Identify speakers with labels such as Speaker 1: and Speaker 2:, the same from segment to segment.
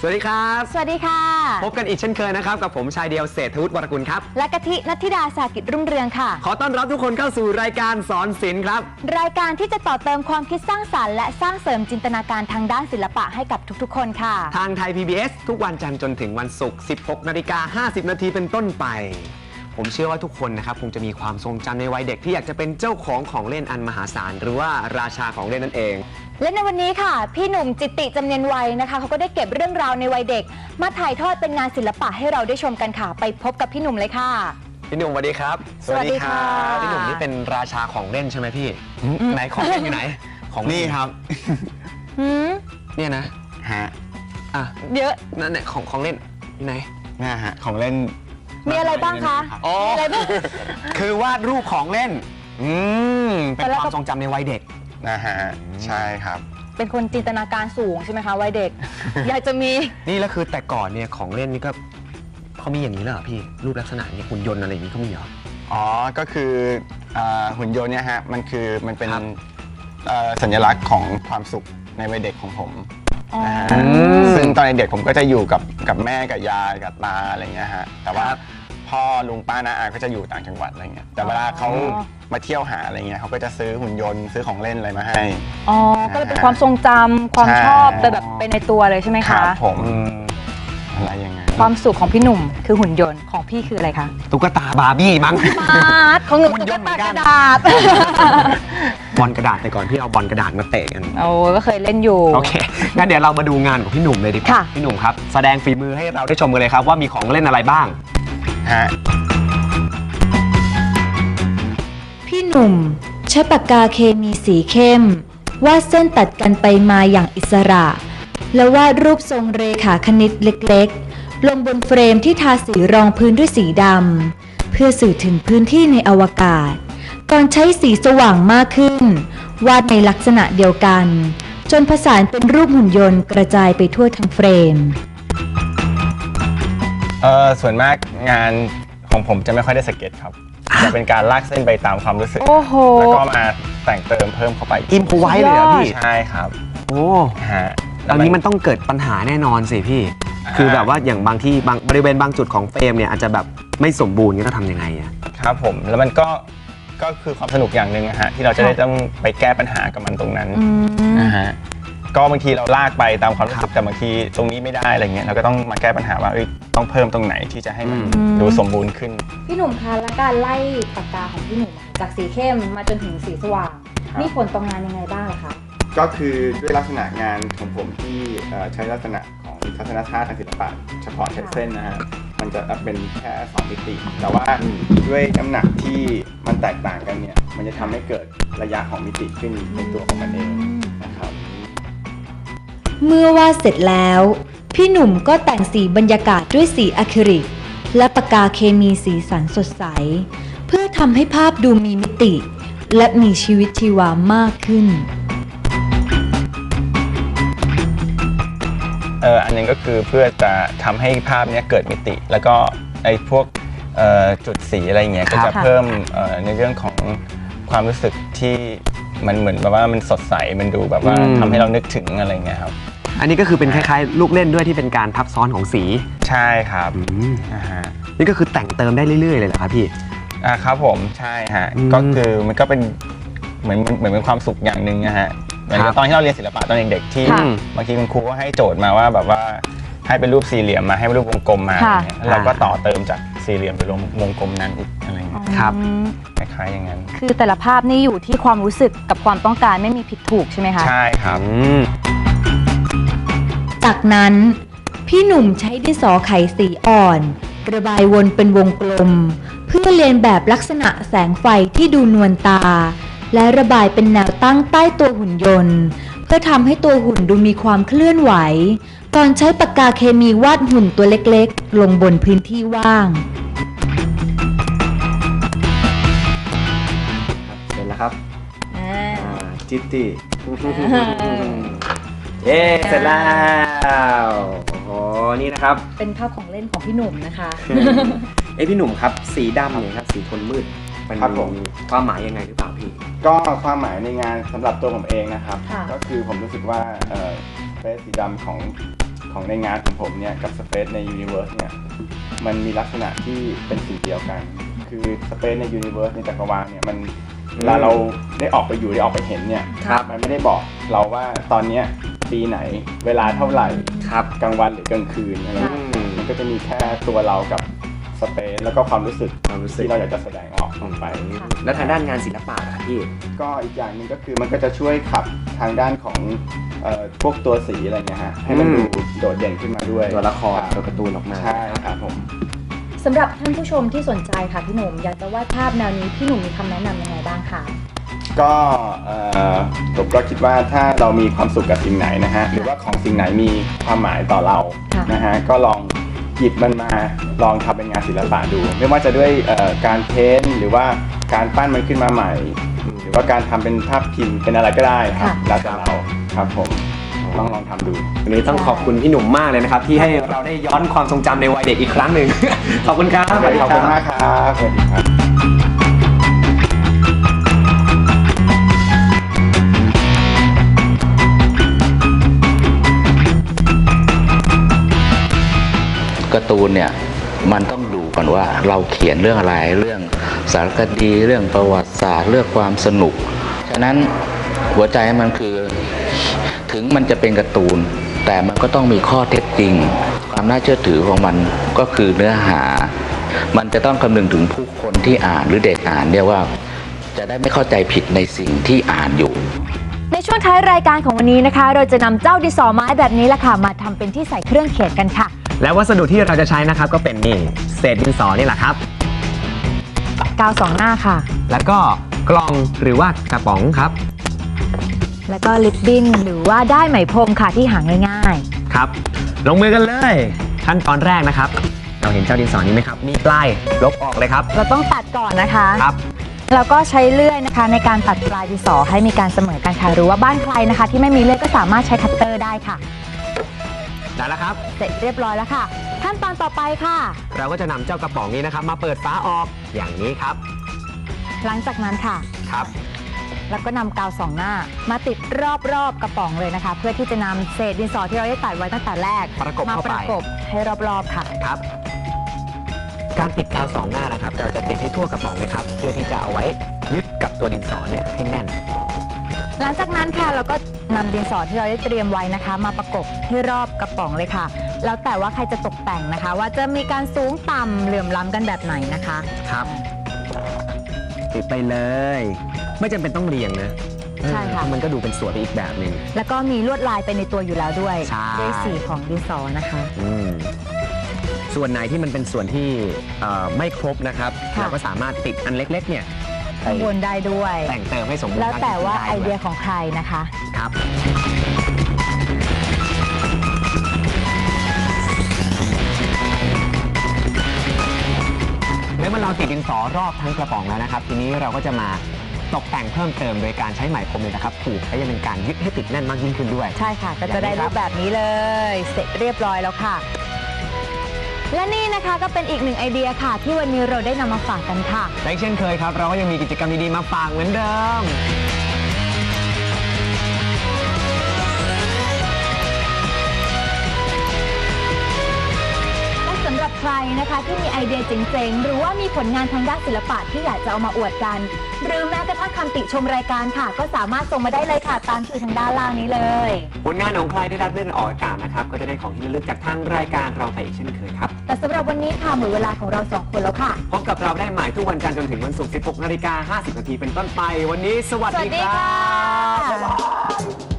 Speaker 1: วัสดีครับ
Speaker 2: สวัสดีค่ะ
Speaker 1: พบกันอีกเช่นเคยนะครับกับผมชายเดียวเศรษฐวุฒิวรกุลครับ
Speaker 2: และกะทิณัฐธิดาสากิจรุ่งเรืองค่ะ
Speaker 1: ขอต้อนรับทุกคนเข้าสู่รายการสอนศิลป์ครับ
Speaker 2: รายการที่จะต่อเติมความคิดสร้างสรรค์และสร้างเสริมจินตนาการทางด้านศิลปะให้กับทุกๆคนค่ะ
Speaker 1: ทางไทย PBS ทุกวันจันทร์จนถึงวันศุกร์ 16:50 น.เป็นต้นไปผมเชื่อว่าทุกคนนะครับคงจะมีความทรงจำในวัยเด็กที่อยากจะเป็นเจ้าของเล่นอันมหาศาลหรือว่าราชาของเล่นนั่นเอง
Speaker 2: และในวันนี้ค่ะพี่หนุ่มจิตติจำเนียนวัยนะคะเขาก็ได้เก็บเรื่องราวในวัยเด็กมาถ่ายทอดเป็นงานศิลปะให้เราได้ชมกันค่ะไปพบกับพี่หนุ่มเลยค่ะ
Speaker 1: พี่หนุ่มสวัสดีครับ
Speaker 2: สวัสดีค่ะ
Speaker 1: พี่หนุ่มนี่เป็นราชาของเล่นใช่ไหมพี่ไหนของเล่นอยู่ไหน
Speaker 3: ของนี่ครับ
Speaker 1: เนี่ยนะ
Speaker 3: ฮะ
Speaker 2: เยอะ
Speaker 1: นั่นแหละของเล่นอยู่ไหน
Speaker 3: นี่ฮะของเล่น
Speaker 2: มีอะไรบ้างคะ
Speaker 1: มีอะไรบ้างคือวาดรูปของเล่นเป็นความทรงจำในวัยเด็ก
Speaker 3: นะฮะใช่ครับ
Speaker 2: เป็นคนจินตนาการสูงใช่ไหมคะวัยเด็ก อยากจะมี
Speaker 1: นี่แล้วคือแต่ก่อนเนี่ยของเล่นนี่ก็เขามีอย่างนี้เลยเหรอพี่รูปลักษณะนี้หุ่นยนต์อะไรอย่างนี้เขามีเหรอ
Speaker 3: อ๋อก็คือหุ่นยนต์เนี่ยฮะมันเป็นสัญลักษณ์ของความสุขในวัยเด็กของผมซึ่งตอนเด็กผมก็จะอยู่กับแม่กับยายกับตาอะไรเงี้ยฮะแต่ว่าพ่อลุงป้าน้าอาก็จะอยู่ต่างจังหวัดอะไรเงี้ยแต่เวลาเขามาเที่ยวหาอะไรเงี้ยเขาก็จะซื้อหุ่นยนต์ซื้อของเล่นอะไรมาให้
Speaker 2: ก็เลยเป็นความทรงจำความชอบไปในตัวเลยใช่ไหมคะ
Speaker 3: ครับผมอะไรยังไง
Speaker 2: ความสุขของพี่หนุ่มคือหุ่นยนต์ของพี่คืออะไรคะ
Speaker 1: ตุ๊กตาบาร์บี้มั้ง
Speaker 2: ของหนุ่มตุ๊กตากระดาษ
Speaker 1: บอลกระดาษแต่ก่อนพี่เอาบอลกระดาษมาเตะกัน
Speaker 2: ก็เคยเล่นอยู่
Speaker 1: โอเคงั้นเดี๋ยวเรามาดูงานของพี่หนุ่มเลยดีกว่าพี่หนุ่มครับแสดงฝีมือให้เราได้ชมกันเลยครับว่ามีของเล่นอะไรบ้าง
Speaker 2: พี่หนุ่มใช้ปากกาเคมีสีเข้มวาดเส้นตัดกันไปมาอย่างอิสระและวาดรูปทรงเรขาคณิตเล็กๆลงบนเฟรมที่ทาสีรองพื้นด้วยสีดำเพื่อสื่อถึงพื้นที่ในอวกาศก่อนใช้สีสว่างมากขึ้นวาดในลักษณะเดียวกันจนผสานเป็นรูปหุ่นยนต์กระจายไปทั่วทั้งเฟรม
Speaker 3: ส่วนมากงานของผมจะไม่ค่อยได้สเก็ตครับจะเป็นการลากเส้นไปตามความรู้สึกแล้วก็มาแต่งเติมเพิ่มเข้าไป
Speaker 1: อิมพอไว้เลยเหรอพี่
Speaker 3: ใช่ครับ
Speaker 1: โอ้ฮะอันนี้มันต้องเกิดปัญหาแน่นอนสิพี่คือแบบว่าอย่างบางที่บริเวณบางจุดของเฟรมเนี่ยอาจจะแบบไม่สมบูรณ์นี่ต้องทำยังไงอะ
Speaker 3: ครับผมแล้วมันก็คือความสนุกอย่างหนึ่งนะฮะที่เราจะได้ต้องไปแก้ปัญหากับมันตรงนั้นนะฮะก็บางทีเราลากไปตามความรู้สึกแต่บางทีตรงนี้ไม่ได้อะไรเงี้ยเราก็ต้องมาแก้ปัญหาว่าต้องเพิ่มตรงไหนที่จะให้มันดูสมบูรณ์ขึ้น
Speaker 2: พี่หนุ่มคะและการไล่ปากกาของพี่หนุ่มจากสีเข้มมาจนถึงสีสว่างมีผลต่องานยังไงบ้างคะ
Speaker 3: ก็คือด้วยลักษณะงานของผมที่ใช้ลักษณะของทัศนชาติทางศิลปะเฉพาะเส้นนะฮะมันจะเป็นแค่2 มิติแต่ว่าด้วยน้ำหนักที่มันแตกต่างกันเนี่ยมันจะทำให้เกิดระยะของมิติขึ้นในตัวของมันเองนะครับ
Speaker 2: เมื่อวาดเสร็จแล้วพี่หนุ่มก็แต่งสีบรรยากาศด้วยสีอะคริลิกและปากกาเคมีสีสันสดใสเพื่อทำให้ภาพดูมีมิติและมีชีวิตชีวามากขึ้น
Speaker 3: อันนึงก็คือเพื่อจะทำให้ภาพนี้เกิดมิติแล้วก็ไอ้พวกจุดสีอะไรเงี้ยก็จะเพิ่มในเรื่องของความรู้สึกที่มันเหมือนแบบว่ามันสดใสมันดูแบบว่าทำให้เรานึกถึงอะไรเงี้ยครับ
Speaker 1: อันนี้ก็คือเป็นคล้ายๆลูกเล่นด้วยที่เป็นการทับซ้อนของสี
Speaker 3: ใช่ครับ
Speaker 1: นี่ก็คือแต่งเติมได้เรื่อยๆเลยเหรอครับพี่
Speaker 3: ครับผมใช่ฮะก็คือมันก็เป็นเหมือนเป็นความสุขอย่างหนึ่งนะฮะเหมือนตอนที่เราเรียนศิลปะตอนเด็กๆที่บางทีคุณครูก็ให้โจทย์มาว่าแบบว่าให้เป็นรูปสี่เหลี่ยมมาให้เป็นรูปวงกลมมาเราก็ต่อเติมจากสี่เหลี่ยมไปลงวงกลมนั้นอีกอะไรเงี้ย
Speaker 1: ครับ
Speaker 3: คล้ายๆอย่างนั้น
Speaker 2: คือแต่ละภาพนี่อยู่ที่ความรู้สึกกับความต้องการไม่มีผิดถูกใช่ไหมคะ
Speaker 3: ใช่ครับ
Speaker 2: จากนั้นพี่หนุ่มใช้ดินสอไขสีอ่อนระบายวนเป็นวงกลมเพื่อเลียนแบบลักษณะแสงไฟที่ดูนวลตาและระบายเป็นแนวตั้งใต้ตัวหุ่นยนต์เพื่อทำให้ตัวหุ่นดูมีความเคลื่อนไหวก่อนใช้ปากกาเคมีวาดหุ่นตัวเล็กๆลงบนพื้นที่ว่าง
Speaker 3: เสร็จแล้วครับจิตติ
Speaker 1: เย้เสร็จแล้วโอ้นี่นะครับ
Speaker 2: เป็นภาพของเล่นของพี่หนุ่มนะคะ
Speaker 1: พี่หนุ่มครับสีดำเนี่ยครับสีโทนมืดมันมีความหมายยังไงหรือเปล่าพี่
Speaker 3: ก็ความหมายในงานสำหรับตัวผมเองนะครับก็คือผมรู้สึกว่าเฟซสีดำของของในงานของผมเนี่ยกับ Space ใน Universe เนี่ยมันมีลักษณะที่เป็นสิ่งเดียวกันคือ Space ใน Universe ในจักรวาลเนี่ยมันเวลาเราได้ออกไปอยู่ได้ออกไปเห็นเนี่ยมันไม่ได้บอกเราว่าตอนเนี้ยปีไหนเวลาเท่าไหร่กลางวันหรือกลางคืนอะไรมันก็จะมีแค่ตัวเรากับสเปซแล้วก็ความรู้สึกที่เราอยากจะแสดงออกไป
Speaker 1: แล้วทางด้านงานศิลปะครับพี่
Speaker 3: ก็อีกอย่างหนึ่งก็คือมันก็จะช่วยขับทางด้านของพวกตัวสีอะไรเงี้ยฮะให้มันดูโดดเด่นขึ้นมาด้วย
Speaker 1: ตัวละครตัวการ์ตูนออกมา
Speaker 3: ใช่ครับผม
Speaker 2: สำหรับท่านผู้ชมที่สนใจค่ะพี่หนุ่มอยากจะวาดภาพแนวนี้พี่หนุ่มมีคำแนะนำยังไงบ้างคะ
Speaker 3: ก็ผมก็คิดว่าถ้าเรามีความสุขกับสิ่งไหนนะฮะหรือว่าของสิ่งไหนมีความหมายต่อเรานะฮะก็ลองหยิบมันมาลองทำเป็นงานศิลปะดูไม่ว่าจะด้วยการเพ้นท์หรือว่าการปั้นมันขึ้นมาใหม่หรือว่าการทำเป็นภาพพิมพ์เป็นอะไรก็ได้ครับแล้วแต่เราครับผมลองทำดู
Speaker 1: วันนี้ต้องขอบคุณพี่หนุ่มมากเลยนะครับที่ให้เราได้ย้อนความทรงจำในวัยเด็กอีกครั้งหนึ่ง ขอบคุณครับ
Speaker 3: ขอบคุณมากครับสวัสดีครับ
Speaker 4: การ์ตูนเนี่ยมันต้องดูก่อนว่าเราเขียนเรื่องอะไรเรื่องสารคดีเรื่องประวัติศาสตร์เรื่องความสนุกฉะนั้นหัวใจมันคือถึงมันจะเป็นการ์ตูนแต่มันก็ต้องมีข้อเท็จจริงความน่าเชื่อถือของมันก็คือเนื้อหามันจะต้องคำนึงถึงผู้คนที่อ่านหรือเด็กอ่านเนี่ยว่าจะได้ไม่เข้าใจผิดในสิ่งที่อ่านอยู่
Speaker 2: ในช่วงท้ายรายการของวันนี้นะคะเราจะนำเจ้าดินสอไม้แบบนี้แหละค่ะมาทำเป็นที่ใส่เครื่องเขียนกันค่ะ
Speaker 1: และวัสดุที่เราจะใช้นะครับก็เป็นนี่เศษดินสอนี่แหละครับ
Speaker 2: กาว2 หน้าค่ะ
Speaker 1: แล้วก็กล่องหรือว่ากระป๋องครับ
Speaker 2: แล้วก็ลิปบิ้นหรือว่าได้ไหมพรมค่ะที่หาง่าย
Speaker 1: ๆครับลงมือกันเลยขั้นตอนแรกนะครับเราเห็นเจ้าดินสอนี้ไหมครับมีปลายลบออกเลยครับ
Speaker 2: เราต้องตัดก่อนนะคะ
Speaker 1: ครับ
Speaker 2: แล้วก็ใช้เลื่อยนะคะในการตัดปลายดินสอให้มีการเสมอกันค่ะหรือว่าบ้านใครนะคะที่ไม่มีเลื่อยก็สามารถใช้คัตเตอร์ได้ค่ะ
Speaker 1: ได้แล้วครับ
Speaker 2: เสร็จเรียบร้อยแล้วค่ะขั้นตอนต่อไปค่ะ
Speaker 1: เราก็จะนำเจ้ากระป๋องนี้นะครับมาเปิดฝาออกอย่างนี้ครับ
Speaker 2: หลังจากนั้นค่ะ
Speaker 1: ครับ
Speaker 2: แล้วก็นำกาว2 หน้ามาติดรอบๆกระป๋องเลยนะคะเพื่อที่จะนำเศษดินสอที่เราได้ตัดไว้ตั้งแต่แรก
Speaker 1: มา
Speaker 2: ประกบให้รอบๆค่ะ
Speaker 1: ครับการติดกาว2 หน้านะครับเราจะติดให้ทั่วกระป๋องเลยครับเพื่อที่จะเอาไว้ยึดกับตัวดินสอเนี่ยให้แน่น
Speaker 2: หลังจากนั้นค่ะเราก็นำดินสอที่เราได้เตรียมไว้นะคะมาประกบให้รอบกระป๋องเลยค่ะแล้วแต่ว่าใครจะตกแต่งนะคะว่าจะมีการสูงต่ำเหลื่อมล้ำกันแบบไหนนะคะ
Speaker 1: ครับติดไปเลยไม่จำเป็นต้องเรียงนะ
Speaker 2: ใช่ค่ะ
Speaker 1: มันก็ดูเป็นสวยไปอีกแบบหนึ่ง
Speaker 2: แล้วก็มีลวดลายไปในตัวอยู่แล้วด้วยด้วยสีของดินสอนะคะ
Speaker 1: ส่วนไหนที่มันเป็นส่วนที่ไม่ครบนะครับเราก็สามารถติดอันเล็กๆเนี่ย
Speaker 2: ข้างบนได้ด้วย
Speaker 1: แต่งเติมให้สมบูรณ์
Speaker 2: แล้วแต่ว่าไอเดียของใครนะคะ
Speaker 1: ครับเมื่อเราติดดินสอรอบทั้งกระป๋องแล้วนะครับทีนี้เราก็จะมาตกแต่งเพิ่มเติมโดยการใช้ไหมพรมเลยนะครับผูกให้เป็นการยึดให้ติดแน่นมากยิ่งขึ้นด้วย
Speaker 2: ใช่ค่ะก็จะได้รูปแบบนี้เลยเสร็จเรียบร้อยแล้วค่ะและนี่นะคะก็เป็นอีกหนึ่งไอเดียค่ะที่วันนี้เราได้นำมาฝากกันค่ะ
Speaker 1: และเช่นเคยครับเราก็ยังมีกิจกรรมดีๆมาฝากเหมือนเดิม
Speaker 2: สำหรับใครนะคะที่มีไอเดียเจ๋งๆหรือว่ามีผลงานทางด้านศิลปะที่อยากจะเอามาอวดกันหรือแม้กระทั่งคำติชมรายการค่ะก็สามารถส่งมาได้เลยค่ะตามชื่อทางด้านล่างนี้เลย
Speaker 1: ผลงานของใครได้รับเลื่อนออกอากาศนะครับก็จะได้ของที่ระลึกจากทางรายการเราไปอีกเช่นเคยครับ
Speaker 2: แต่สำหรับวันนี้ค่ะหมดเวลาของเรา2 คนแล้วค่ะ
Speaker 1: พบกับเราได้ใหม่ทุกวันจันทร์จนถึงวันศุกร์ 16:50 นาทีเป็นต้นไปวันนี้สวัสดีครับ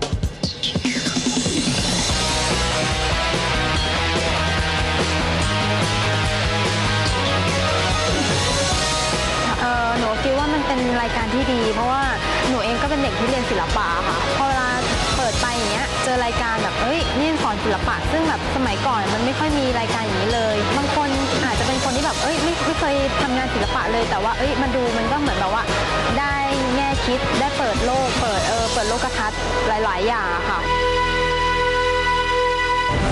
Speaker 5: หนูคิดว่ามันเป็นรายการที่ดีเพราะว่าหนูเองก็เป็นเด็กที่เรียนศิลปะค่ะพอเวลาเปิดไปอย่างเงี้ยเจอรายการแบบนี่สอนศิลปะซึ่งแบบสมัยก่อนมันไม่ค่อยมีรายการอย่างนี้เลยบางคนอาจจะเป็นคนที่แบบไม่เคยทำงานศิลปะเลยแต่ว่ามาดูมันก็เหมือนแบบว่าได้แง่คิดได้เปิดโลกเปิดโลกทัศน์หลายๆอย่างค่ะ